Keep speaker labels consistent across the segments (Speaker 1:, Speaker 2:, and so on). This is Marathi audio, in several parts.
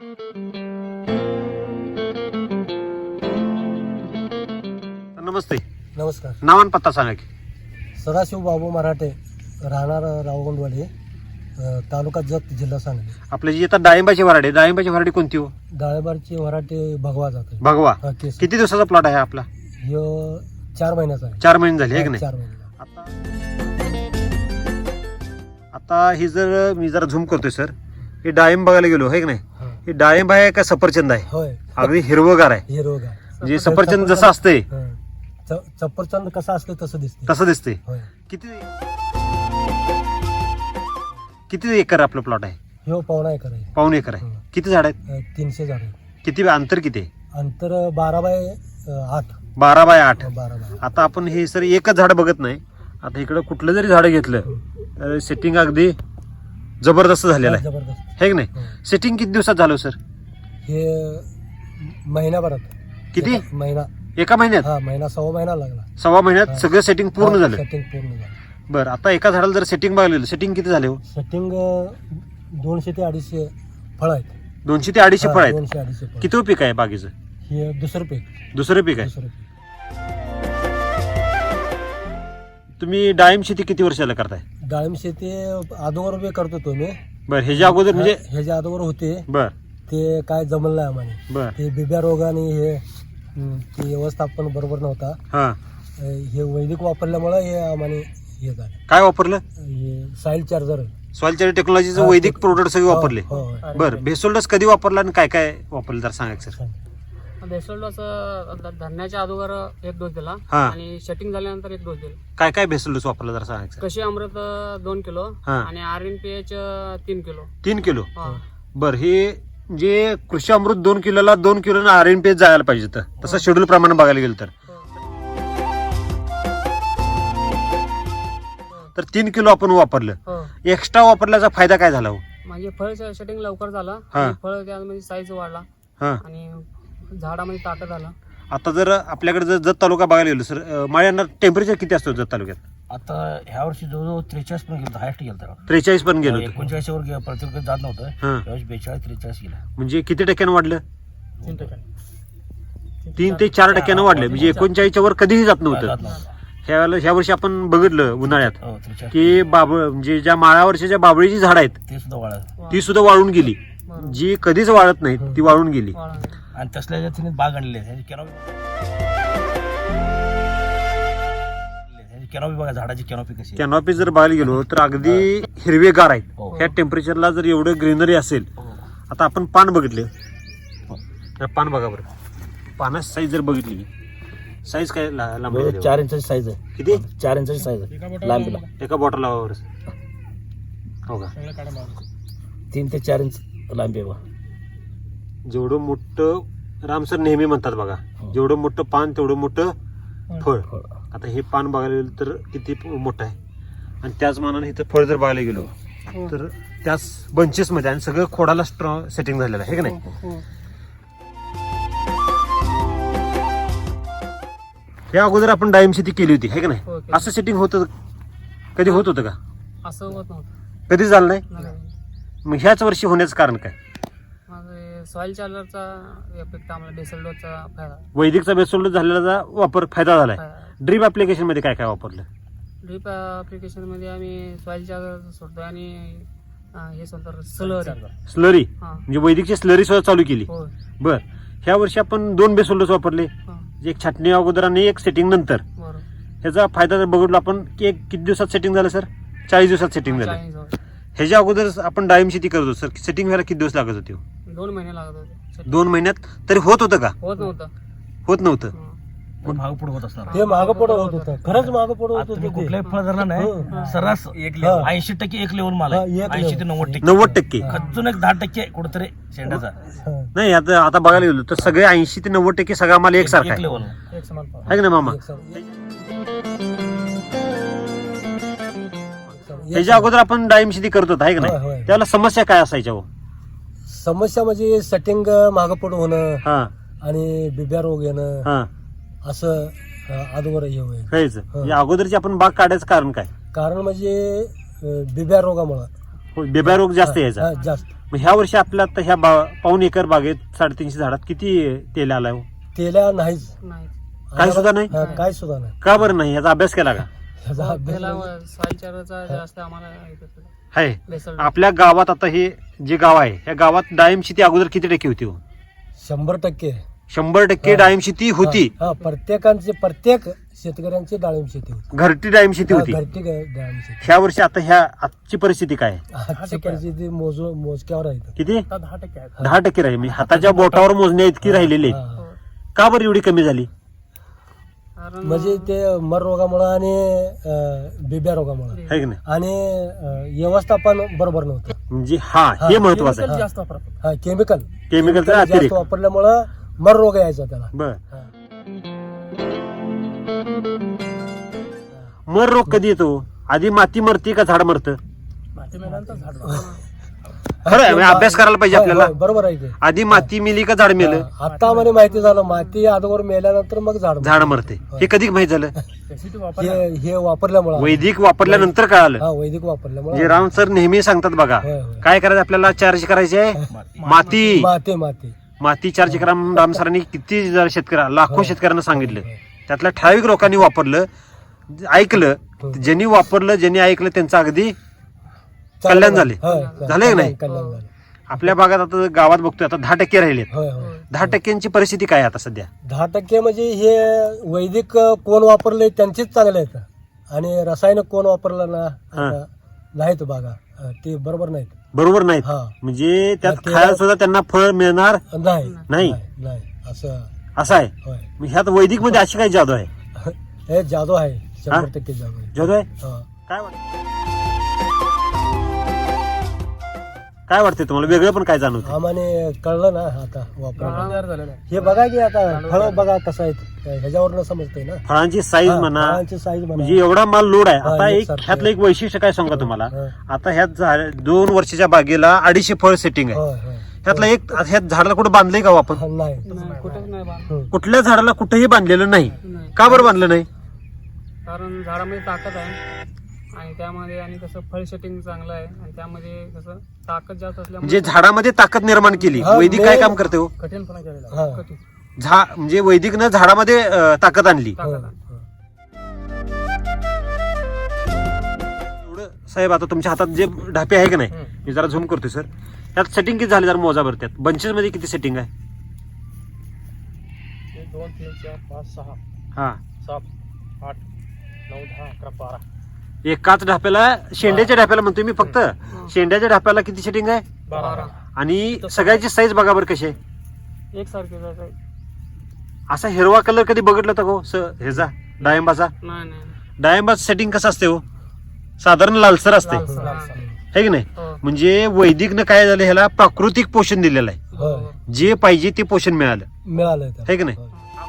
Speaker 1: नमस्ते.
Speaker 2: नमस्कार.
Speaker 1: नाव आणि पत्ता सांगा की.
Speaker 2: सदाशिव बाबू मराठे, राहणार रावगुंडवाडी, तालुका जत, जिल्हा सांगली.
Speaker 1: आपली जी आता डाळिंबाची वराडी कोणती हो?
Speaker 2: डाळिंबाची वराठी भगवा जाते.
Speaker 1: भगवा.
Speaker 2: केस.
Speaker 1: किती दिवसाचा प्लॉट आहे आपला?
Speaker 2: ह्यो 4 महिन्याचा आहे.
Speaker 1: 4 महिने झाले, आहे की नाही?
Speaker 2: 4 महिने.
Speaker 1: आता ही जर मी जरा झूम करतोय सर, हे डाळिंब बघायला गेलो, आहे की नाही?
Speaker 2: हा.
Speaker 1: हे डाळिंब आहे का सफरचंद आहे?
Speaker 2: होय.
Speaker 1: अगदी हिरवगार आहे.
Speaker 2: हिरोगा.
Speaker 1: म्हणजे सफरचंद जसं असतंय
Speaker 2: सफरचंद कसं असतं तसं दिसते.
Speaker 1: तसं दिसते.
Speaker 2: होय.
Speaker 1: किती एकर आपलं प्लॉट आहे?
Speaker 2: ह्यो पावणा एकर आहे.
Speaker 1: पाऊण एकर आहे. किती झाड आहेत?
Speaker 2: 300 झाड.
Speaker 1: किती अंतर किती आहे?
Speaker 2: अंतर 12 बाय 8.
Speaker 1: 12 बाय 8.
Speaker 2: 12 बाय 8.
Speaker 1: आता आपण हे सर एकच झाड बघत नाही. आता इकडं कुठलं जरी झाड घेतलं तर सेटिंग अगदी जबरदस्त झालेलं आहे,
Speaker 2: जबरदस्त.
Speaker 1: है की नाही? सेटिंग किती दिवसात झालं सर?
Speaker 2: हे महिनाभरात.
Speaker 1: किती?
Speaker 2: महिना.
Speaker 1: एका महिन्यात?
Speaker 2: हा, महिना, सव्वा महिना लागला.
Speaker 1: सव्वा महिन्यात सगळं सेटिंग पूर्ण झालं.
Speaker 2: सेटिंग पूर्ण झालं.
Speaker 1: बरं, आता एका झाडाला जर सेटिंग बघायला सेटिंग किती झाले हो?
Speaker 2: सेटिंग 200 ते 250 फळ आहेत.
Speaker 1: 200 ते 250 फळ आहेत.
Speaker 2: 200-250 फळ.
Speaker 1: किती पीक आहे बागेचं?
Speaker 2: हे दुसरं पीक.
Speaker 1: दुसरं पीक आहे.
Speaker 2: दुसरं पीक.
Speaker 1: तुम्ही डाळिंब शेती किती वर्षाला करताय?
Speaker 2: डाळिंब शेती अगोदर बी करतो तो मी.
Speaker 1: बरं, ह्याच्या अगोदर म्हणजे?
Speaker 2: ह्याच्या अगोदर होते.
Speaker 1: बर
Speaker 2: ते काय जमलं नाही आम्हाला.
Speaker 1: बर
Speaker 2: ते बिब्या रोग आणि हे ते व्यवस्थापन बरोबर नव्हता.
Speaker 1: हा.
Speaker 2: हे वैदिक वापरल्यामुळे हे आम्हाला हे झालं.
Speaker 1: काय वापरलं?
Speaker 2: हे सॉइल चार्जर.
Speaker 1: सॉइल चार्जर टेक्नॉलॉजीचं वैदिक प्रोडक्ट सगळे वापरले.
Speaker 2: हो.
Speaker 1: बरं, भेसोल्डस कधी वापरला आणि काय काय वापरलं जर सांगायचं सर.
Speaker 3: बेसोल्डोस धरण्याच्या अगोदर 1 डोस दिला
Speaker 1: हा.
Speaker 3: आणि सेटिंग झाल्यानंतर 1 डोस दिला.
Speaker 1: काय काय भेसोल्डस वापरलं जर सांगायचं.
Speaker 3: कशी अमृत 2 किलो
Speaker 1: हा.
Speaker 3: आणि RNPH 3 किलो.
Speaker 1: 3 किलो.
Speaker 3: हा.
Speaker 1: बरं, हे जे कृषी अमृत 2 किलोला 2 किलो RNPH जायला पाहिजे तर तसं शेड्यूल प्रमाणे बघायला गेलं तर 3 किलो आपण वापरलं.
Speaker 3: हो.
Speaker 1: एक्स्ट्रा वापरल्याचा फायदा काय झाला हो?
Speaker 3: म्हणजे फळ सेटिंग लवकर झालं
Speaker 1: हा.
Speaker 3: आणि फळ त्यामध्ये साईज वाढला
Speaker 1: हा.
Speaker 3: आणि झाडामध्ये ताटं झालं.
Speaker 1: आता जर आपल्याकडे जर जत तालुका बघायला गेलो सर, माळ्यांना टेम्परेचर किती असतो जत तालुक्यात?
Speaker 4: आता ह्या वर्षी जवळजवळ 43 पण गेलं, हायस्ट गेलं.
Speaker 1: 43 पण गेलो.
Speaker 4: 39 वर प्रत्येक जात नव्हतं.
Speaker 1: हा.
Speaker 4: यावेळेस 42-43 गेलं.
Speaker 1: म्हणजे किती टक्क्यानं वाढलं?
Speaker 3: 3%.
Speaker 1: 3 ते 4% वाढलं. म्हणजे 39च्या वर कधीही जात नव्हतं.
Speaker 4: जात नव्हतं.
Speaker 1: ह्या वर्षी आपण बघितलं उन्हाळ्यात
Speaker 4: हो, 43
Speaker 1: की म्हणजे ज्या माळावरच्या ज्या बाबळीची झाड आहेत
Speaker 4: ते सुद्धा वाढलं.
Speaker 1: ती सुद्धा वाळून गेली. जी कधीच वाळत नाही ती वाळून गेली.
Speaker 4: आणि तसल्या जातीने बाग आणले. कॅनॉपी बघा, झाडाची कॅनॉपी कशी आहे.
Speaker 1: कॅनॉपी जर बघायला गेलो तर अगदी हिरवेगार आहेत.
Speaker 4: हो.
Speaker 1: ह्या टेम्परेचरला जर एवढं ग्रीनरी असेल.
Speaker 4: हो.
Speaker 1: आता आपण पान बघितले, तर पान बघा बरं. पानाची साईज जर बघितली, साईज काय लांब आहे?
Speaker 4: 4 इंचाची साईज आहे.
Speaker 1: किती?
Speaker 4: 4 इंचाची साईज आहे लांबीला.
Speaker 1: एका बॉटलावर हो का?
Speaker 4: 3 ते 4 इंच लांबी आहे बघा.
Speaker 1: जेवढं मोठं, रामसर नेहमी म्हणतात बघा, जेवढं मोठं पान तेवढं मोठं फळ. आता हे पान बघायला गेलं तर किती मोठं आहे आणि त्याच मानाने इथं फळ जर बघायला गेलो तर त्याच बंचेस मध्ये आणि सगळं खोडाला स्ट्रॉंग सेटिंग झालेलं आहे, की नाही? या अगोदर आपण डाळिंब शेती केली होती, है की नाही?
Speaker 3: हो, केली.
Speaker 1: असं सेटिंग होतं कधी? होत होतं का?
Speaker 3: असं होत नव्हतं.
Speaker 1: कधी झालं नाही.
Speaker 3: नाही.
Speaker 1: मग ह्याच वर्षी होण्याचं कारण काय?
Speaker 3: मग सॉइल चार्जरचा इफेक्ट आम्हाला बेसोल्डोसचा फायदा.
Speaker 1: वैदिकचा बेसोल्ड झालेला वापर फायदा झालाय. ड्रीप ऍप्लिकेशन मध्ये काय काय वापरलं?
Speaker 3: ड्रीप ऍप्लिकेशन मध्ये आम्ही सॉइल चार्जर सोडतो आणि हे सोडतो
Speaker 1: स्लरी.
Speaker 3: हा.
Speaker 1: म्हणजे वैदिकची स्लरी सुद्धा चालू केली.
Speaker 3: हो.
Speaker 1: बर, ह्या वर्षी आपण 2 बेसोल्डस वापरले,
Speaker 3: हा.
Speaker 1: एक छाटणी अगोदर आणि एक सेटिंग नंतर.
Speaker 3: बरोबर.
Speaker 1: ह्याचा फायदा जर बघितला आपण की किती दिवसात सेटिंग झालं सर? 40 दिवसात सेटिंग झालं.
Speaker 3: 40 दिवस.
Speaker 1: ह्याच्या अगोदर आपण डाळिंब शेती करत होतो सर, सेटिंग व्हायला किती दिवस लागत होते?
Speaker 3: 2 महिने लागत होते.
Speaker 1: 2 महिन्यात तरी होत होतं का?
Speaker 3: होत नव्हतं.
Speaker 1: होत नव्हतं.
Speaker 3: हा.
Speaker 4: मागं पुढे होत असणार.
Speaker 2: ते मागं पुढं होत होतं. खरंच मागं पुढं होत
Speaker 4: आता तुम्ही
Speaker 2: होतं.
Speaker 4: कुठल्याही फळ धरला नाही, सर्रास 80% एक लेवल माल
Speaker 2: हा,
Speaker 4: आहे.
Speaker 2: एक
Speaker 4: 80 ते 90%.
Speaker 1: 90%.
Speaker 4: खचून एक 10% कुठेतरी शेंडाचा
Speaker 1: नाही, आता बघायला गेलो तर सगळे 80 ते 90% सगळा माल एकसारखा
Speaker 4: एक
Speaker 1: आहे,
Speaker 4: लेवल.
Speaker 3: एक समान पाव.
Speaker 1: है की नाही मामा? ह्याच्या अगोदर आपण डाळिंब शेती करत होतो, आहे की
Speaker 2: होय,
Speaker 1: नाही?
Speaker 2: होय.
Speaker 1: त्याला समस्या काय असायच्या हो?
Speaker 2: समस्या म्हणजे सेटिंग मागं पुढं होणं
Speaker 1: हा
Speaker 2: आणि बिब्या रोग येणं
Speaker 1: हा
Speaker 2: असं अगोदर हे होय.
Speaker 1: काहीच. या अगोदरची आपण बाग काढायचं कारण काय?
Speaker 2: कारण म्हणजे बिब्या रोगामुळं
Speaker 1: बेबा रोग जास्त यायचा.
Speaker 2: जास्त
Speaker 1: मग ह्या वर्षी आपल्या आता ह्या पाऊण एकर बागेत 350 झाडात किती तेल आलाय हो?
Speaker 2: तेल्या नाहीच.
Speaker 3: नाही
Speaker 1: काय सुद्धा नाही?
Speaker 2: हा, काय सुद्धा नाही.
Speaker 1: का बरं नाही? याचा अभ्यास केला का?
Speaker 2: ह्याचा अभ्यास
Speaker 3: त्याला
Speaker 2: म्हणजे-
Speaker 3: सॉइल चार्जरचा जास्त आम्हाला हे करतो.
Speaker 1: आहे
Speaker 3: बेसल
Speaker 1: आपल्या गावात आता हे जे गाव आहे या गावात डाळिंब शेती अगोदर किती टक्के होती हो?
Speaker 2: 100%.
Speaker 1: 100%
Speaker 2: हा.
Speaker 1: डाळिंब शेती होती.
Speaker 2: हा, प्रत्येक शेतकऱ्यांची डाळिंब शेती होती.
Speaker 1: घरटी डाळिंब शेती होती.
Speaker 2: घरटी डाळिंब शेती.
Speaker 1: ह्या वर्षी आता ह्या आजची परिस्थिती काय आहे?
Speaker 2: आजची परिस्थिती मोजक्यावर आहे.
Speaker 1: किती?
Speaker 4: 10% आहे.
Speaker 1: 10% राहील. म्हणजे हाताच्या बोटावर मोजण्या इतकी राहिलेली आहे.
Speaker 2: हा.
Speaker 1: का बरं एवढी कमी झाली?
Speaker 3: कारण
Speaker 2: म्हणजे ते मर रोगामुळे आणि बिब्या रोगामुळे
Speaker 1: आहे की नाही?
Speaker 2: आणि व्यवस्थापन बरोबर नव्हतं.
Speaker 1: म्हणजे हे महत्वाचं आहे.
Speaker 4: Chemical जास्त वापरतात.
Speaker 2: हा, केमिकल
Speaker 1: केमिकलचा
Speaker 2: जास्त
Speaker 1: अतिरेक.
Speaker 2: वापरल्यामुळं मर रोग यायचा त्याला.
Speaker 1: बर
Speaker 2: हा.
Speaker 1: मर रोग कधी येतो? आधी माती मरते का झाड मरतं?
Speaker 4: माती मेल्यानंतर झाड
Speaker 1: खरं आहे, म्हणजे अभ्यास करायला पाहिजे आपल्याला.
Speaker 2: होय, बरोबर आहे ते.
Speaker 1: आधी माती मिली का झाड मेलं?
Speaker 2: आता मला माहिती झालं, माती अगोदर मेल्यानंतर मग झाड
Speaker 1: झाड मरते. हे कधी माहित झालं?
Speaker 4: Specific वापर
Speaker 2: हे वापरल्यामुळे
Speaker 1: वैदिक वापरल्यानंतर कळालं.
Speaker 2: हा, वैदिक वापरल्यामुळे
Speaker 1: जे राम सर नेहमी सांगतात बघा,
Speaker 2: होय, होय.
Speaker 1: काय करायचं आपल्याला? चार्ज करायचे आहे माती.
Speaker 2: माती
Speaker 1: माती चार्ज करा म्हणून राम सरांनी किती लाखो शेतकऱ्यांना सांगितलं. त्यातल्या ठराविक लोकांनी वापरलं, ऐकलं. ज्यांनी वापरलं, ज्यांनी ऐकलं त्यांचं अगदी कल्याण झाले. झाले की नाही?
Speaker 2: कल्याण झाले.
Speaker 1: आपल्या भागात आता गावात बघतोय आता 10% राहिले.
Speaker 2: होय, होय.
Speaker 1: 10%ची परिस्थिती काय आहे आता सध्या?
Speaker 2: 10% म्हणजे हे वैदिक कोण वापरले त्यांचीच चांगले आहेत, आणि रासायनिक कोण वापरलं ना नाहीत बागा, ते बरोबर नाहीत.
Speaker 1: बरोबर नाहीत.
Speaker 2: हा.
Speaker 1: म्हणजे त्यात
Speaker 2: ते-
Speaker 1: खायला सुद्धा त्यांना फळ मिळणार
Speaker 2: नाही
Speaker 1: नाही.
Speaker 2: नाही असं
Speaker 1: असं आहे.
Speaker 2: होय.
Speaker 1: मग ह्यात वैदिक मध्ये अशी काही जादू आहे?
Speaker 2: हे जादू आहे, 100% जादू आहे.
Speaker 1: जादू आहे.
Speaker 2: हा.
Speaker 1: काय वाटतं? काय वाटते तुम्हाला? वेगळं पण काय जाणवतं?
Speaker 2: आम्हाने कळलं ना आता वापर.
Speaker 4: तयार झालेलं आहे.
Speaker 2: हे बघा की आता फळ बघा कसं आहे, ह्याच्यावरनं समजतंय ना.
Speaker 1: फळांची साईज
Speaker 2: हा,
Speaker 1: म्हणा,
Speaker 2: फळांची साईज म्हणा.
Speaker 1: म्हणजे एवढा माल लोड आहे.
Speaker 2: हा,
Speaker 1: आता एक
Speaker 2: एकसारखं.
Speaker 1: ह्यातलं एक वैशिष्ट्य काय सांगा तुम्हाला.
Speaker 2: हा.
Speaker 1: आता ह्यात 2 वर्षाच्या बागेला 250 फळ सेटिंग आहे.
Speaker 2: होय, होय.
Speaker 1: ह्यातलं एक ह्यात झाडाला कुठं बांधलंय का हो आपण?
Speaker 2: हा, नाही.
Speaker 3: नाही, कुठेच नाही बांध.
Speaker 2: हं.
Speaker 1: कुठल्या झाडाला कुठेही बांधलेलं नाही.
Speaker 3: नाही.
Speaker 1: का बरं बांधलं नाही?
Speaker 3: कारण झाडामध्ये ताकद आहे आणि त्यामध्ये आणि कसं फळ सेटिंग चांगलं आहे आणि त्यामध्ये कसं ताकद जास्त
Speaker 1: म्हणजे
Speaker 3: असल्यामुळे
Speaker 1: झाडामध्ये ताकद निर्माण केली.
Speaker 2: हा,
Speaker 1: वैदिक काय काम करते हो?
Speaker 4: कठीणपणा केलेला आहे.
Speaker 2: हा.
Speaker 3: कठीण
Speaker 1: म्हणजे वैदिकनं झाडामध्ये ताकद आणली.
Speaker 2: हो,
Speaker 3: ताकद आहे.
Speaker 2: हो.
Speaker 1: एवढं साहेब आता तुमच्या हातात जे ढापे आहे की नाही, मी जरा झूम करतोय सर. त्यात सेटिंग किती झाली जरा मोजा बरं. त्यात बंचेस मध्ये किती सेटिंग आहे?
Speaker 4: 1 2 3 4 5 6
Speaker 1: हा,
Speaker 4: 7 8 9 10 11 12.
Speaker 1: एकाच ढाप्याला, शेंड्याच्या ढाप्याला म्हणतोय मी फक्त. शेंड्याच्या ढाप्याला किती सेटिंग आहे?
Speaker 4: 12.
Speaker 1: आणि सगळ्याची साईज बघा बरं कशी आहे.
Speaker 3: एकसारखे जायचं.
Speaker 1: असा हिरवा कलर कधी बघितला होता का हो ह्याचा डाळिंबाचा?
Speaker 3: नाही नाही
Speaker 1: डाळिंबाचं सेटिंग कसं असते हो? साधारण लालसर असते,
Speaker 3: लालसर.
Speaker 1: है की नाही?
Speaker 3: हो.
Speaker 1: म्हणजे वैदिकनं काय झालं, ह्याला प्राकृतिक पोषण दिलेलं आहे.
Speaker 2: होय.
Speaker 1: जे पाहिजे ते पोषण मिळालं,
Speaker 2: मिळालंय त्याला.
Speaker 1: है की नाही?
Speaker 2: होय.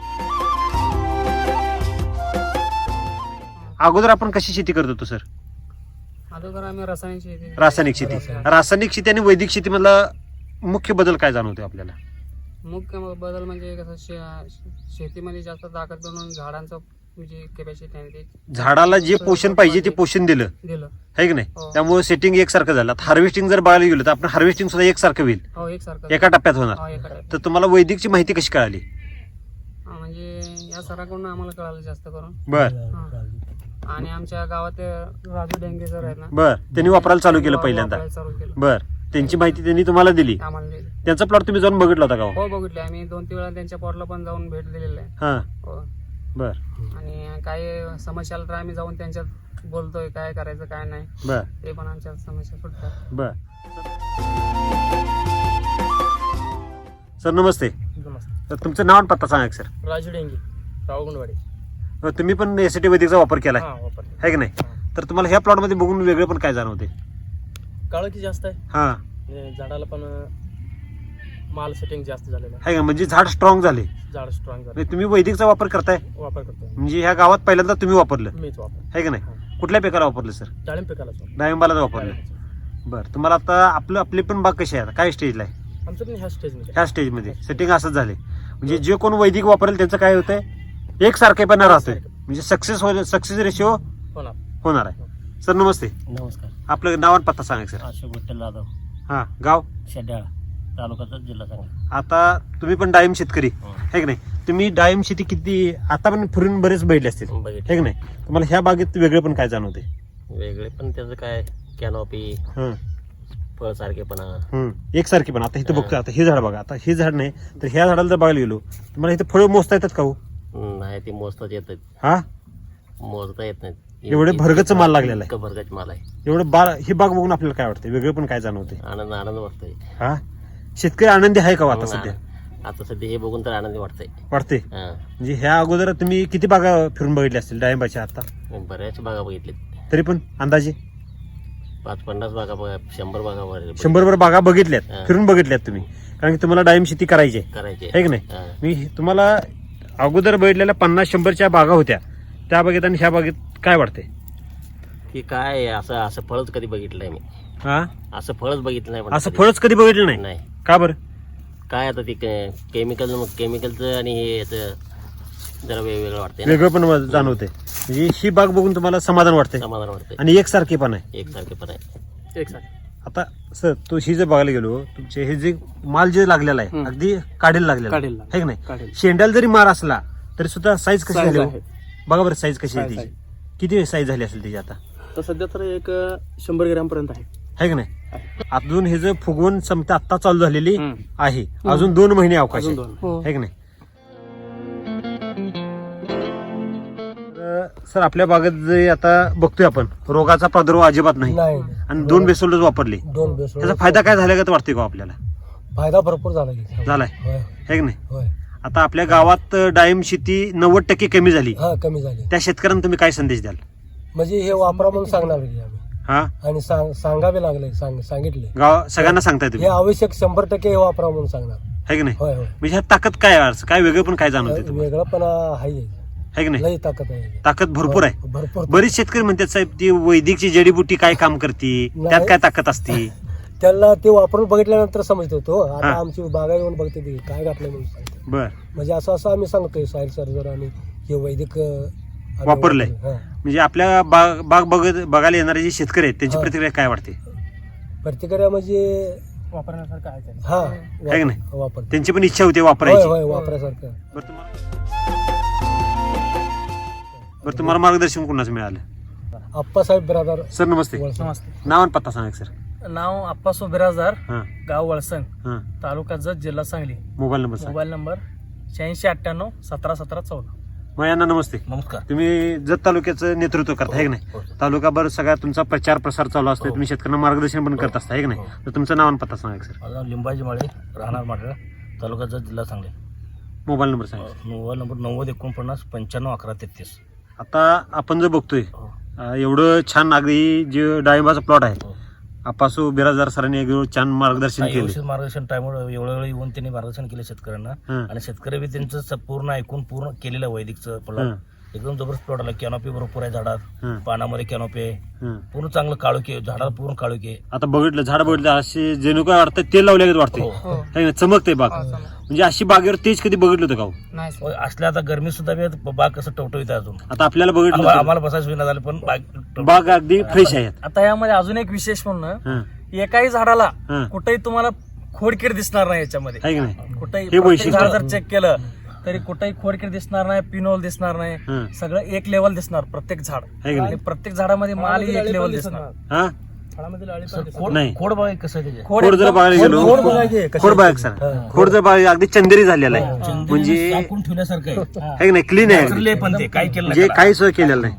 Speaker 1: अगोदर आपण कशी शेती करत होतो सर?
Speaker 3: अगोदर आम्ही रासायनिक शेती.
Speaker 1: रासायनिक शेती. रासायनिक शेती आणि वैदिक शेती मधला मुख्य बदल काय जाणवते आपल्याला?
Speaker 3: मुख्य बदल म्हणजे कसं शेतीमध्ये जास्त ताकद बनवून झाडांचं म्हणजे कॅपॅसिटी आहे ते
Speaker 1: झाडाला जे पोषण पाहिजे ते पोषण दिलं,
Speaker 3: दिलं.
Speaker 1: है की नाही?
Speaker 3: हो.
Speaker 1: त्यामुळे सेटिंग एकसारखं झालं. हार्वेस्टिंग जर बघायला गेलं तर आपण हार्वेस्टिंग सुद्धा एकसारखं होईल,
Speaker 3: हो एकसारखं.
Speaker 1: एका टप्प्यात होणार.
Speaker 3: हो एका type.
Speaker 1: तर तुम्हाला वैदिकची माहिती कशी कळाली?
Speaker 3: म्हणजे या सराकडून आम्हाला कळालं जास्त करून.
Speaker 1: बर
Speaker 3: आणि आमच्या गावात राजू डेंगे सर आहेत ना,
Speaker 1: बर त्यांनी वापरायला चालू केलं पहिल्यांदा.
Speaker 3: वापरायला चालू केलं.
Speaker 1: बर त्यांची माहिती त्यांनी तुम्हाला दिली.
Speaker 3: आम्हाला दिली.
Speaker 1: त्यांचा प्लॉट तुम्ही जाऊन बघितला होता का हो?
Speaker 3: हो बघितले आम्ही 2-3 वेळा त्यांच्या पॉटला पण जाऊन भेट दिलेली आहे.
Speaker 1: हा,
Speaker 3: हो.
Speaker 1: बर
Speaker 3: आणि काही समस्या आल्या तर आम्ही जाऊन त्यांच्यात बोलतोय काय करायचं काय नाही,
Speaker 1: बर
Speaker 3: ते पण आमच्या समस्या सुटतात.
Speaker 1: बर. सर नमस्ते.
Speaker 4: नमस्ते.
Speaker 1: तर तुमचं नाव आणि पत्ता सांगा सर.
Speaker 4: राजू डेंगे, रावगुंडवाडी.
Speaker 1: तुम्ही पण एसटी वैदिकचा वापर केलाय,
Speaker 4: हा वापरले.
Speaker 1: है की नाही? तर तुम्हाला ह्या प्लॉट मध्ये बघून वेगळे पण काय जाणवते?
Speaker 4: काळोखी जास्त आहे
Speaker 1: हा,
Speaker 4: आणि झाडाला पण माल सेटिंग जास्त झालेलं
Speaker 1: है का? म्हणजे झाड स्ट्रॉंग झाले.
Speaker 4: आहे. झाड स्ट्रॉंग झालं.
Speaker 1: म्हणजे तुम्ही वैदिकचा वापर करताय,
Speaker 4: वापर करतो
Speaker 1: म्हणजे ह्या गावात पहिल्यांदा तुम्ही वापरलं,
Speaker 4: मीच वापर.
Speaker 1: है की नाही? कुठल्या पिकाला वापरलं सर?
Speaker 4: डाळिंब पिकाला वापर.
Speaker 1: डाळिंबाला वापरलं. बरं, तुम्हाला आता आपली पण बाग कशी आहे, काय स्टेजला आहे?
Speaker 4: आमचं पण ह्या स्टेजमध्ये
Speaker 1: ह्या स्टेजमध्ये सेटिंग असंच झाले. म्हणजे जे कोण वैदिक वापरेल त्यांचं काय होतंय, एकसारखेपणा राहतोय. म्हणजे सक्सेस रेशिओ
Speaker 4: होणार.
Speaker 1: होणार आहे. सर नमस्ते.
Speaker 2: नमस्कार.
Speaker 1: आपलं नाव आणि पत्ता सांगा सर.
Speaker 2: अशोक विठ्ठल जाधव,
Speaker 1: हा गाव
Speaker 4: शेड्याळा तालुक्याचा जिल्हा सांगली.
Speaker 1: आता तुम्ही पण डाळिंब शेतकरी आहे की नाही? तुम्ही डाळिंब शेती किती आता पण फिरून बरेच बघितले असतील
Speaker 4: बघितले.
Speaker 1: आहे की नाही? तुम्हाला ह्या बागेत वेगळे पण काय जाणवते?
Speaker 4: वेगळे पण त्याचं काय कॅनॉपी
Speaker 1: हं,
Speaker 4: फळ सारखेपणा
Speaker 1: हं. एकसारखी पण आता इथं बघतो, आता हे झाड बघा, आता हे झाड नाही तर ह्या झाडाला जर बघायला गेलो तुम्हाला इथं फळं मोजता येतात का हो?
Speaker 4: नाही ते मोजताच येत नाहीत,
Speaker 1: हा
Speaker 4: मोजता येत नाहीत.
Speaker 1: एवढे भरगच माल लागलेला आहे.
Speaker 4: इतकं भरगच माल आहे.
Speaker 1: एवढं ही बाग बघून आपल्याला काय वाटतं? वेगळं पण काय जाणवते?
Speaker 4: आनंद आनंद वाटतोय.
Speaker 1: हा शेतकरी आनंदी आहे का हो आता सध्या?
Speaker 4: आता सध्या हे बघून तर आनंदी वाटतंय.
Speaker 1: वाटते
Speaker 4: हा.
Speaker 1: म्हणजे ह्या अगोदर तुम्ही किती बागा फिरून बघितल्या असतील डाळिंबाच्या आता?
Speaker 4: बऱ्याच बागा बघितल्या,
Speaker 1: तरी पण अंदाजे
Speaker 4: 50 बागा 100 बागा
Speaker 1: 100 बागा बघितल्यात,
Speaker 4: हा.
Speaker 1: फिरून बघितल्यात तुम्ही, कारण की तुम्हाला डाळिंब शेती करायची आहे
Speaker 4: करायचे.
Speaker 1: है की नाही?
Speaker 4: हा.
Speaker 1: मी तुम्हाला अगोदर बघितलेल्या 50-100च्या बागा होत्या त्या बागेत आणि ह्या बागेत काय वाटते?
Speaker 4: की काय आहे, असं असं फळच कधी बघितलं नाही मी.
Speaker 1: हा
Speaker 4: असं फळच बघितलं नाही. पण
Speaker 1: असं
Speaker 4: कधी.
Speaker 1: फळच कधी बघितलं नाही?
Speaker 4: नाही.
Speaker 1: का बरं?
Speaker 4: काय आता ते केमिकलचं आणि हे याचं जरा वेगवेगळं वाटतंय ना.
Speaker 1: वेगळं पण जाणवते, म्हणजे ही बाग बघून तुम्हाला समाधान वाटते
Speaker 4: समाधान वाटतंय.
Speaker 1: आणि एकसारखे पण आहे.
Speaker 4: एकसारखे पण आहे.
Speaker 1: आता सर तो ही जर बघायला गेलो तुमचे हे जे माल जे लागलेला आहे अगदी काढेल लागलेला आहे है की नाही? शेंड्याला जरी मार असला तरी सुद्धा साईज कशी झाली हो? बघा बरं साईज कशी आहे त्याची, किती साईज झाली असेल त्याची आता?
Speaker 3: तर सध्या तर एक 100 ग्रॅम पर्यंत आहे.
Speaker 1: है की नाही? अजून हे जे फुगवून क्षमता आता चालू झालेली आहे, अजून 2 महिने अवकाश आहे है की नाही? सर आपल्या बागेत जे आता बघतोय आपण रोगाचा प्रादुर्भाव अजिबात नाही
Speaker 2: नाही
Speaker 1: आणि 2 बेसोल डोस वापरले,
Speaker 2: 2 बेसोड
Speaker 1: त्याचा फायदा काय झाला का वाटतोय का आपल्याला?
Speaker 2: फायदा भरपूर झाला की.
Speaker 1: झालाय
Speaker 2: होय
Speaker 1: है की नाही?
Speaker 2: होय.
Speaker 1: आता आपल्या गावात डाळिंब शेती 90% कमी झाली,
Speaker 2: हा कमी झाली.
Speaker 1: त्या शेतकऱ्यांना तुम्ही काय संदेश द्याल?
Speaker 2: म्हणजे हे वापरा म्हणून सांगणार की आम्ही,
Speaker 1: हा
Speaker 2: आणि सांगावे लागले, सांगितले
Speaker 1: गाव सगळ्यांना सांगताय
Speaker 2: हे
Speaker 1: तुम्ही
Speaker 2: आवश्यक 100% हे वापरा म्हणून सांगणार.
Speaker 1: है की नाही?
Speaker 2: होय होय.
Speaker 1: म्हणजे ह्यात ताकद काय आहे? काय वेगळं पण काय जाणवते तुम्हाला?
Speaker 2: वेगळं पण आहे,
Speaker 1: है की नाही?
Speaker 2: लई ताकद आहे.
Speaker 1: ताकद भरपूर आहे.
Speaker 2: भरपूर.
Speaker 1: बरीच शेतकरी म्हणतात साहेब ती वैदिकची जडीबुटी काय काम करते, त्यात काय ताकद असते?
Speaker 2: त्याला ते वापरून बघितल्यानंतर समजतो तो. आता
Speaker 1: हा.
Speaker 2: आमची बागा येऊन बघते ती काय घातलंय म्हणून सांगते.
Speaker 1: बर
Speaker 2: म्हणजे असं असं आम्ही सांगतोय साईल सर्जर आणि हे वैदिक आम्ही
Speaker 1: वापरलंय.
Speaker 2: हा.
Speaker 1: म्हणजे आपल्या बाग बघायला येणारे जे शेतकरी आहेत त्यांची
Speaker 2: हा.
Speaker 1: प्रतिक्रिया काय वाटते?
Speaker 2: प्रतिक्रिया म्हणजे
Speaker 3: वापरण्यासारखं आहे ते.
Speaker 2: हा
Speaker 1: है की नाही?
Speaker 2: वापर
Speaker 1: त्यांची पण इच्छा होती
Speaker 2: होय
Speaker 1: वापरायची.
Speaker 2: होय वापरासारखं.
Speaker 1: बरं तुम्हाला मार्गदर्शन कोणाचं मिळालं?
Speaker 2: आप्पासाहेब बिरादार
Speaker 1: सर नमस्ते,
Speaker 2: वळसे.
Speaker 3: नमस्ते.
Speaker 1: नाव आणि पत्ता सांगा सर.
Speaker 3: नाव आप्पासो बिराजदार,
Speaker 1: हां
Speaker 3: गाव वळसंग,
Speaker 1: हां
Speaker 3: तालुका जत, जिल्हा सांगली.
Speaker 1: मोबाईल नंबर सांगा.
Speaker 3: Mobile number 8698 171714.
Speaker 1: मग यांना नमस्ते.
Speaker 4: नमस्कार.
Speaker 1: तुम्ही जत तालुक्याचं नेतृत्व करता है की नाही? तालुकाभर सगळा तुमचा प्रचार प्रसार चालू असतो, तुम्ही शेतकऱ्यांना मार्गदर्शन पण करत असता है की नाही? तर तुमचं नाव आणि पत्ता सांगा सर.
Speaker 4: माझं नाव लिंबाजी माळे, राहणार माटळा, तालुक्याचा जिल्हा सांगली.
Speaker 1: मोबाईल नंबर सांगा.
Speaker 4: Mobile number 9049 95 11 33.
Speaker 1: आता आपण जर बघतोय एवढं छान अगदी जे डाळिंबाचा प्लॉट आहे, आपासू बिराजदार सरांनी एवढं छान मार्गदर्शन
Speaker 4: व्यवस्थित
Speaker 1: केलं.
Speaker 4: मार्गदर्शन टाइमवर एवढ्या वेळ येऊन त्यांनी मार्गदर्शन केलं शेतकऱ्यांना.
Speaker 1: हं.
Speaker 4: आणि शेतकरी बी त्यांचं पूर्ण ऐकून पूर्ण केलेलं वैदिकचं प्लॉट
Speaker 1: हं.
Speaker 4: एकदम जबरदस्त प्लॉट आला. कॅनॉपी भरपूर आहे झाडात,
Speaker 1: हं.
Speaker 4: पानामध्ये कॅनॉपी आहे,
Speaker 1: हं.
Speaker 4: पूर्ण चांगलं काळोखी आहे, झाडाला पूर्ण काळोखी आहे.
Speaker 1: आता बघितलं झाड बघितलं असे जणू काय वाटतं तेल लावल्यागत वाटते
Speaker 4: हो.
Speaker 1: चमकते बाग. म्हणजे अशी बागेवर तेज कधी बघितलं होतं का हो?
Speaker 3: नाही
Speaker 4: होय, असल्या आता गरमी सुद्धा बी आहे, बाग कसं टवटवीत आहे अजून.
Speaker 1: आता आपल्याला बघितलं होतं.
Speaker 4: आम्हाला बसायचं विना झालं पण
Speaker 1: बाग अगदी फ्रेश आहे.
Speaker 3: आता यामध्ये अजून एक विशेष म्हणणं,
Speaker 1: हं.
Speaker 3: एकाही झाडाला
Speaker 1: हं.
Speaker 3: कुठेही तुम्हाला खोडकीड दिसणार नाही याच्यामध्ये.
Speaker 1: आहे की नाही?
Speaker 3: कुठेही
Speaker 1: हे
Speaker 3: प्रत्येक
Speaker 1: वैशिष्ट्य.
Speaker 3: झाड जर चेक केलं तरी कुठेही खोडकीड दिसणार नाही, पिनोल दिसणार नाही,
Speaker 1: हं.
Speaker 3: सगळं एक लेवल दिसणार प्रत्येक झाड.
Speaker 1: आहे की नाही?
Speaker 3: आणि प्रत्येक झाडामध्ये मालही एक लेवल दिसणार.
Speaker 1: हा नाही.
Speaker 4: खोड बघा कसं आहे त्याचे.
Speaker 1: खोड जर बघायला गेलो
Speaker 2: खोड बघायची कशी
Speaker 1: खोड बघ सर, खोड जर बघायला अगदी चंदेरी झालेला आहे, म्हणजे
Speaker 4: झाकून ठेवण्यासारखं आहे.
Speaker 1: आहे की नाही? क्लीन आहे
Speaker 4: Naturally आहे पण ते काय केलं
Speaker 1: म्हणजे
Speaker 4: नाही त्याला.
Speaker 1: काही सोय केलेलं नाही.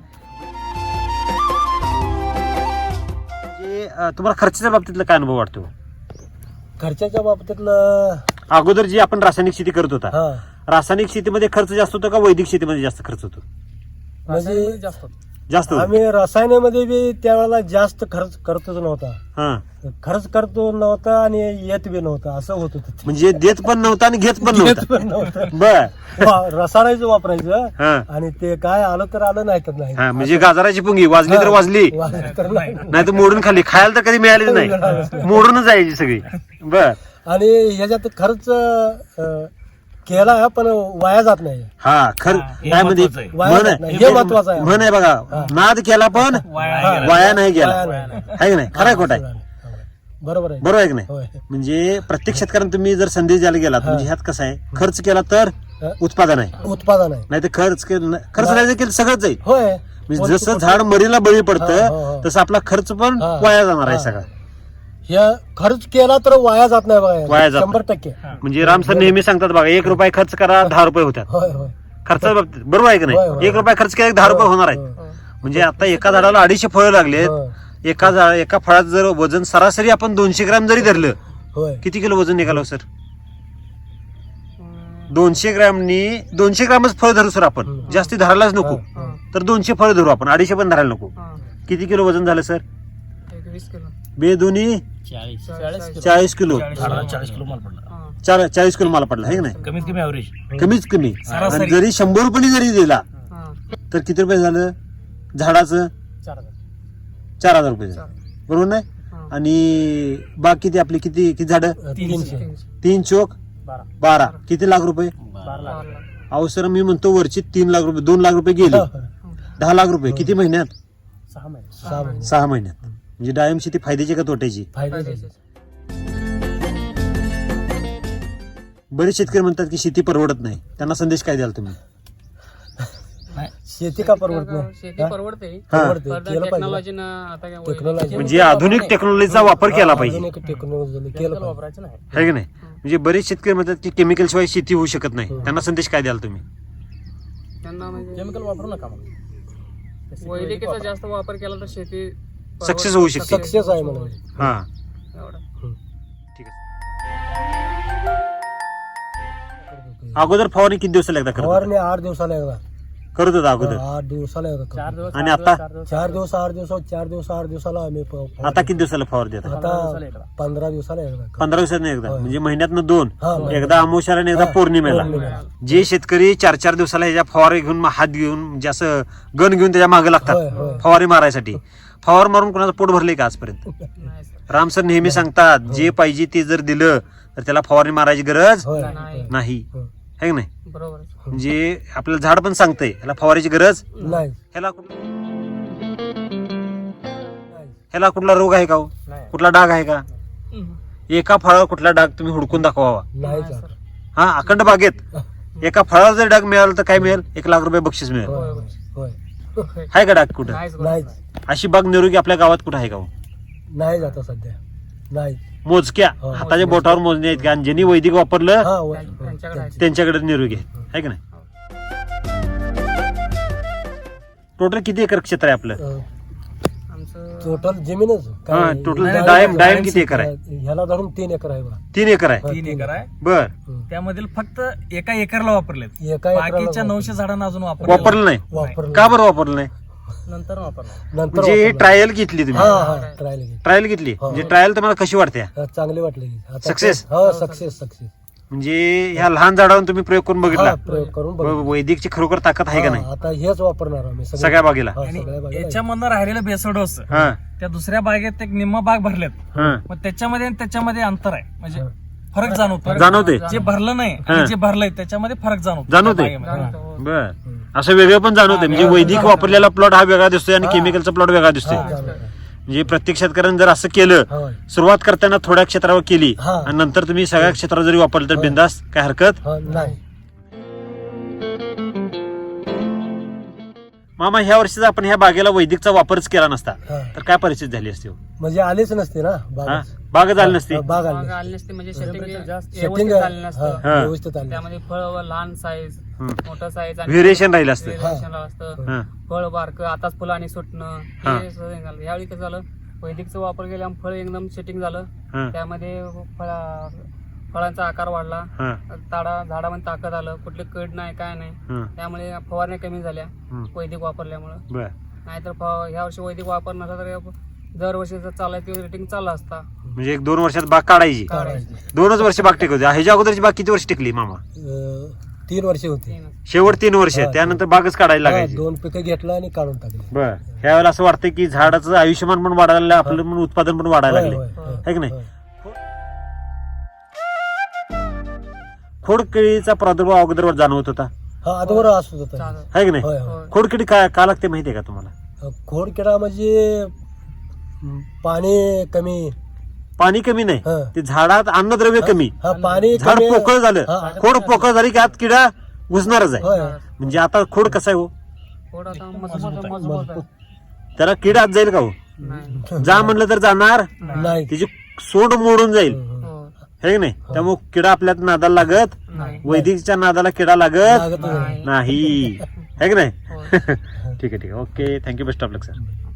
Speaker 1: म्हणजे तुम्हाला खर्चाच्या बाबतीतला काय अनुभव वाटतो?
Speaker 2: खर्चाच्या बाबतीतलं
Speaker 1: अगोदर जी आपण रासायनिक शेती करत होता,
Speaker 2: हा
Speaker 1: रासायनिक शेतीमध्ये खर्च जास्त होतो का वैदिक शेतीमध्ये जास्त खर्च होतो?
Speaker 2: म्हणजे
Speaker 3: जास्त
Speaker 1: जास्त होतो.
Speaker 2: आम्ही रसायनामध्ये बी त्यावेळेला जास्त खर्च करतोच नव्हता.
Speaker 1: हा
Speaker 2: खर्च करतो नव्हता आणि येत बी नव्हता, असं होत होतं ते.
Speaker 1: म्हणजे देत पण नव्हता आणि घेत पण
Speaker 2: येत
Speaker 1: नव्हता.
Speaker 2: पण नव्हतं.
Speaker 1: बर
Speaker 2: रसायनाचं वापरायचं
Speaker 1: हा
Speaker 2: आणि ते काय आलं तर आलं, नाही तर नाही.
Speaker 1: हा म्हणजे गाजराची पुंगी वाजली तर वाजली,
Speaker 2: वाजलं तर नाही.
Speaker 1: नाही तर मोडून खाली, खायला तर कधी मिळालीच नाही, मोडूनच जायची सगळी. बर
Speaker 2: आणि ह्याच्यात खर्च केला पण वाया जात नाही.
Speaker 1: हा खरं
Speaker 4: हे
Speaker 1: काय म्हणजे
Speaker 4: महत्वाचं आहे.
Speaker 2: वाया जात नाही, हे महत्वाचं आहे.
Speaker 1: म्हण आहे बघा, नाद केला पण
Speaker 4: वाया
Speaker 1: वाया नाही गेला,
Speaker 2: वाया नाही.
Speaker 1: आहे की नाही? खरं खोट आहे.
Speaker 2: बरोबर आहे
Speaker 1: बरोबर आहे की नाही?
Speaker 2: होय
Speaker 1: म्हणजे प्रत्येक शेतकऱ्यांना तुम्ही जर संदेश द्यायला गेलात म्हणजे ह्यात कसं आहे, खर्च केला तर उत्पादन आहे,
Speaker 2: उत्पादन आहे
Speaker 1: नाही तर खर्च नाही केलं सगळंच जाईल.
Speaker 2: होय
Speaker 1: म्हणजे जसं झाड मरीला बळी
Speaker 2: हा, हा,
Speaker 1: पडतं
Speaker 2: हा.
Speaker 1: तसं आपला खर्च पण
Speaker 2: हा.
Speaker 1: वाया जाणार आहे
Speaker 2: हा.
Speaker 1: सगळा.
Speaker 2: ह्या खर्च केला तर वाया जात नाही
Speaker 1: वाया
Speaker 2: बघा
Speaker 1: जात
Speaker 2: 100%.
Speaker 1: म्हणजे राम सर नेहमी सांगतात बघा, 1 रुपया खर्च करा 10 रुपये होतात.
Speaker 2: होय होय
Speaker 1: खर्चाच्या बाबतीत बरोबर आहे की
Speaker 2: होय,
Speaker 1: नाही?
Speaker 2: होय.
Speaker 1: 1 रुपया खर्च केला 10 रुपये होणार आहेत.
Speaker 2: होय.
Speaker 1: म्हणजे आता एका झाडाला 250 फळं लागलेत,
Speaker 2: होय.
Speaker 1: एका फळाचं जर वजन सरासरी आपण 200 ग्रॅम जरी धरलं,
Speaker 2: होय
Speaker 1: किती किलो वजन निघालं सर?
Speaker 3: अं,
Speaker 1: 200 ग्रॅमच फळ धरू सर आपण, जास्ती धरायलाच नको.
Speaker 3: हा,
Speaker 1: तर 200 फळ धरू आपण, 250 पण धरायला नको.
Speaker 3: हा.
Speaker 1: किती किलो वजन झालं सर?
Speaker 3: एक 20 किलो
Speaker 1: बेदोनी 40 किलो,
Speaker 5: 40 किलो माल पडला.
Speaker 3: हा,
Speaker 1: 40 किलो मला पडला आहे की नाही?
Speaker 5: कमीत कमी ऍव्हरेज.
Speaker 1: कमीच कमी.
Speaker 5: सरासरी.
Speaker 1: आणि जरी 100 रुपये जरी दिला
Speaker 3: हा.
Speaker 1: तर किती रुपये झालं झाडाचं? 4,000 रुपये झालं, बरोबर नाही?
Speaker 3: हा.
Speaker 1: आणि बाकी ते आपली किती झाडं?
Speaker 2: 300
Speaker 1: 3 चोक 12, किती लाख रुपये?
Speaker 3: 12
Speaker 1: अहो सर मी म्हणतो वरची 3 लाख रुपये, 2 लाख रुपये गेले, 10 लाख रुपये किती महिन्यात?
Speaker 2: 6 महिने
Speaker 1: 6 महिन्यात. म्हणजे डाळिंब शेती फायद्याची का तोट्याची?
Speaker 2: फायद्याचे.
Speaker 1: बरेच शेतकरी म्हणतात की शेती परवडत नाही, त्यांना संदेश काय द्याल तुम्ही?
Speaker 2: शेती का परवडत नाही
Speaker 3: शेती
Speaker 2: हा?
Speaker 3: परवडते
Speaker 2: परवडते
Speaker 3: पण
Speaker 2: केलं पाहिजे
Speaker 3: टेक्नॉलॉजीनं आता काय
Speaker 2: टेक्नॉलॉजी
Speaker 1: म्हणजे आधुनिक टेक्नॉलॉजीचा वापर केला पाहिजे,
Speaker 2: आधुनिक टेक्नॉलॉजी केलं पाहिजे
Speaker 1: है की नाही? म्हणजे बरेच शेतकरी म्हणतात की केमिकल शिवाय शेती होऊ शकत नाही, त्यांना संदेश काय द्याल तुम्ही?
Speaker 3: त्यांना म्हणजे
Speaker 5: केमिकल वापरू नका मग.
Speaker 3: वैदिकीचा जास्त वापर केला तर शेती
Speaker 1: सक्सेस होऊ शकते.
Speaker 2: सक्सेस आहे म्हणून
Speaker 1: हा
Speaker 3: एवढं.
Speaker 1: ठीक आहे. अगोदर फवारणी किती दिवसाला एकदा करत होता?
Speaker 2: फवारणी 8 दिवसाला एकदा
Speaker 1: करत होता अगोदर?
Speaker 2: 8 दिवसाला एकदा करतो.
Speaker 1: आणि आता
Speaker 2: 4 दिवस 8 दिवसाला आम्ही
Speaker 1: आता किती दिवसाला फवार देतात?
Speaker 2: आता 15 दिवसाला एकदा करतो.
Speaker 1: 15 दिवसांनी एकदा, म्हणजे महिन्यातनं 2,
Speaker 2: हा,
Speaker 1: एकदा अमावस्याला आणि एकदा
Speaker 2: हा,
Speaker 1: पौर्णिमेला.
Speaker 2: पौर्णिमेला.
Speaker 1: जे शेतकरी 4 दिवसाला ह्याच्या फवारे घेऊन हात घेऊन म्हणजे असं गन घेऊन त्याच्या मागे
Speaker 2: होय,
Speaker 1: लागतात
Speaker 2: होय.
Speaker 1: फवारे मारायसाठी, फवार मारून कोणाचं पोट भरले का आजपर्यंत?
Speaker 3: नाही सर.
Speaker 1: राम सर नेहमी सांगतात जे पाहिजे ते जर दिलं तर त्याला फवारणी मारायची गरज
Speaker 2: होय
Speaker 3: नाही.
Speaker 1: नाही,
Speaker 2: होय.
Speaker 1: है की नाही?
Speaker 3: बरोबर
Speaker 1: म्हणजे आपल्याला झाड पण सांगतंय ह्याला फवाराची गरज,
Speaker 2: नाही
Speaker 1: ह्याला कुठला रोग आहे का हो? कुठला डाग आहे का? एका फळावर कुठला डाग तुम्ही हुडकून दाखवावा.
Speaker 2: नाही
Speaker 3: नाही
Speaker 2: जात.
Speaker 3: सर.
Speaker 1: हा, अखंड बागेत एका फळावर जर डाग मिळाला तर काय मिळेल? 1 लाख रुपये बक्षीस मिळेल.
Speaker 2: होय होय
Speaker 1: आहे का डाग कुठं?
Speaker 3: नाहीच
Speaker 2: नाही
Speaker 1: अशी बाग निरोगी आपल्या गावात कुठं आहे का हो?
Speaker 2: नाही जात सध्या नाही
Speaker 1: मोजक्या
Speaker 2: हो,
Speaker 1: हाताच्या बोटावर मोजणे आहेत का? आणि ज्यांनी वैदिक वापरलं
Speaker 2: हा होय.
Speaker 3: त्यांच्याकडे आहे.
Speaker 1: त्यांच्याकडे निरोगी आहे की नाही? टोटल किती एकर क्षेत्र आहे आपलं?
Speaker 3: आमचं
Speaker 2: टोटल जमीनच
Speaker 1: हा,
Speaker 2: काय?
Speaker 1: टोटल
Speaker 2: नाही,
Speaker 1: डाळिंब
Speaker 2: नाही,
Speaker 1: किती एकर आहे?
Speaker 2: ह्याला धरून 3 एकर आहे बघा
Speaker 1: 3 एकर आहे.
Speaker 5: 3 एकर आहे.
Speaker 1: बर,
Speaker 5: त्यामधील फक्त एका एकरला वापरलेत.
Speaker 2: एका एकराला
Speaker 5: बाकीच्या 900 झाडांना अजून
Speaker 1: वापरलं नाही?
Speaker 2: वापरलं
Speaker 1: का बरं वापरलं नाही?
Speaker 5: नंतर वापरलं.
Speaker 2: नंतर
Speaker 1: म्हणजे
Speaker 2: वापरलं.
Speaker 1: ट्रायल घेतली
Speaker 2: हा
Speaker 1: तुम्ही?
Speaker 2: हा ट्रायल घे
Speaker 1: ट्रायल घेतली म्हणजे ट्रायल तुम्हाला कशी वाटते?
Speaker 2: चांगली वाटली आता
Speaker 1: Success?
Speaker 2: हो सक्सेस
Speaker 1: म्हणजे ह्या लहान झाडावर तुम्ही प्रयोग करून बघितला,
Speaker 2: प्रयोग करून बघू.
Speaker 1: वैदिकची खरोखर ताकद आहे का नाही
Speaker 2: आता हेच वापरणार आम्ही
Speaker 1: सगळ्या बागेला?
Speaker 2: हा,
Speaker 5: आणि
Speaker 2: सगळ्या बागेला.
Speaker 5: याच्यामधनं राहिलेलं बेसडोस
Speaker 1: हा
Speaker 5: त्या दुसऱ्या बागेत एक निम्मा बाग भरलेत.
Speaker 1: हा,
Speaker 5: मग त्याच्यामध्ये आणि त्याच्यामध्ये अंतर आहे, म्हणजे फरक जाणवतो.
Speaker 1: जाणवते
Speaker 5: जे भरलं नाही
Speaker 1: हा.
Speaker 5: आणि जे भरलंय त्याच्यामध्ये फरक जाणवतो.
Speaker 1: जाणवते?
Speaker 5: त्या बागेमध्ये. हा.
Speaker 3: जाणवतो.
Speaker 1: बर, असं वेगळं पण जाणवते. म्हणजे वैदिक वापरलेला प्लॉट हा वेगळा दिसतोय आणि केमिकलचा प्लॉट वेगळा दिसतोय.
Speaker 2: हा, जाणवतं.
Speaker 1: म्हणजे प्रत्येक शेतकऱ्यानं जर असं केलं,
Speaker 2: होय.
Speaker 1: सुरुवात करताना थोड्या क्षेत्रावर केली
Speaker 2: हा.
Speaker 1: आणि नंतर तुम्ही सगळ्या क्षेत्रावर जरी वापरलं तर बिंदास काय हरकत.
Speaker 2: हा, नाही
Speaker 1: मामा, ह्या वर्षी जर आपण ह्या बागेला वैदिकचा वापरच केला नसता
Speaker 2: हा.
Speaker 1: तर काय परिस्थिती झाली असती हो?
Speaker 2: म्हणजे आलेच नसते ना
Speaker 1: हा?
Speaker 2: बाग
Speaker 1: बागच आली नसती.
Speaker 2: बाग आली
Speaker 3: बाग आली नसते म्हणजे सेटिंग
Speaker 2: सेटिंग
Speaker 3: व्यवस्थित झालं नसतं.
Speaker 1: हा.
Speaker 2: व्यवस्थित आली
Speaker 3: त्यामध्ये फळ लहान साईज
Speaker 1: हम्म.
Speaker 3: मोठं साईज
Speaker 1: व्हेरिएशन राहिलं असतं.
Speaker 3: असतं.
Speaker 1: हा.
Speaker 3: फळ बारकं आताच फुलांनी सुटणं
Speaker 1: हा.
Speaker 3: हे सगळं झालं. यावेळी कसं झालं, वैदिकचा वापर केल्यामुळे फळ एकदम सेटिंग झालं.
Speaker 1: हा.
Speaker 3: त्यामध्ये फळांचा आकार वाढला,
Speaker 1: हा.
Speaker 3: झाडामध्ये ताकद आलं, कुठले कड नाही काय नाही.
Speaker 1: हा.
Speaker 3: त्यामुळे फवारण्या कमी झाल्या
Speaker 1: हम्म.
Speaker 3: वैदिक वापरल्यामुळं.
Speaker 1: बर,
Speaker 3: नाहीतर ह्या वर्षी वैदिक वापर नसला तर दरवर्षी जर चालायचं रेटिंग चाललं असता.
Speaker 1: म्हणजे 1-2 वर्षात बाग काढायची.
Speaker 2: काढायची.
Speaker 1: 2च वर्ष बाग टिकवते. ह्याच्या अगोदरची बाग किती वर्ष टिकली मामा?
Speaker 2: 3 वर्षे होती
Speaker 3: तीन.
Speaker 1: शेवट 3 वर्ष,
Speaker 2: हा.
Speaker 1: त्यानंतर बागच काढायला लागायची.
Speaker 2: 2 पिकं घेतलं आणि काढून टाकले
Speaker 1: बर, ह्यावेळेला असं वाटतं की झाडाचं आयुष्यमान पण वाढायला लागलं, आपलं पण उत्पादन पण वाढायला
Speaker 2: होय,
Speaker 1: लागले,
Speaker 2: होय, होय.
Speaker 1: है की नाही? खोडकिडीचा प्रादुर्भाव अगोदर जाणवत होता,
Speaker 2: हा अगोदर असत होता
Speaker 3: चालेल.
Speaker 1: है की नाही?
Speaker 2: होय होय
Speaker 1: खोडकिडी का लागते माहितीये का तुम्हाला?
Speaker 2: खोडकिडा म्हणजे पाणी कमी
Speaker 1: पाणी कमी नाही
Speaker 2: हा.
Speaker 1: ते झाडात अन्नद्रव्य कमी
Speaker 2: हा पाणी
Speaker 1: झाड
Speaker 2: कमी-
Speaker 1: पोकळ झालं
Speaker 2: हा.
Speaker 1: खोड पोकळ झाली की आत किडा घुसणारच आहे
Speaker 2: होय
Speaker 1: म्हणजे आता खोड कसा आहे हो
Speaker 3: थोडं आता मजबूत आहे.
Speaker 1: त्याला किडा आत जाईल का हो
Speaker 3: नाही
Speaker 1: जा म्हणलं तर जाणार
Speaker 2: नाही
Speaker 1: त्याची सोंड मोडून जाईल
Speaker 3: हो
Speaker 1: हे की नाही त्यामुळे किडा आपल्यात नादाला लागत
Speaker 3: नाही
Speaker 1: वैदिकच्या नादाला किडा लागत
Speaker 2: लागत नाही.
Speaker 3: नाही
Speaker 1: नाही है की नाही
Speaker 3: हो.
Speaker 1: ठीक आहे okay thank you best of luck sir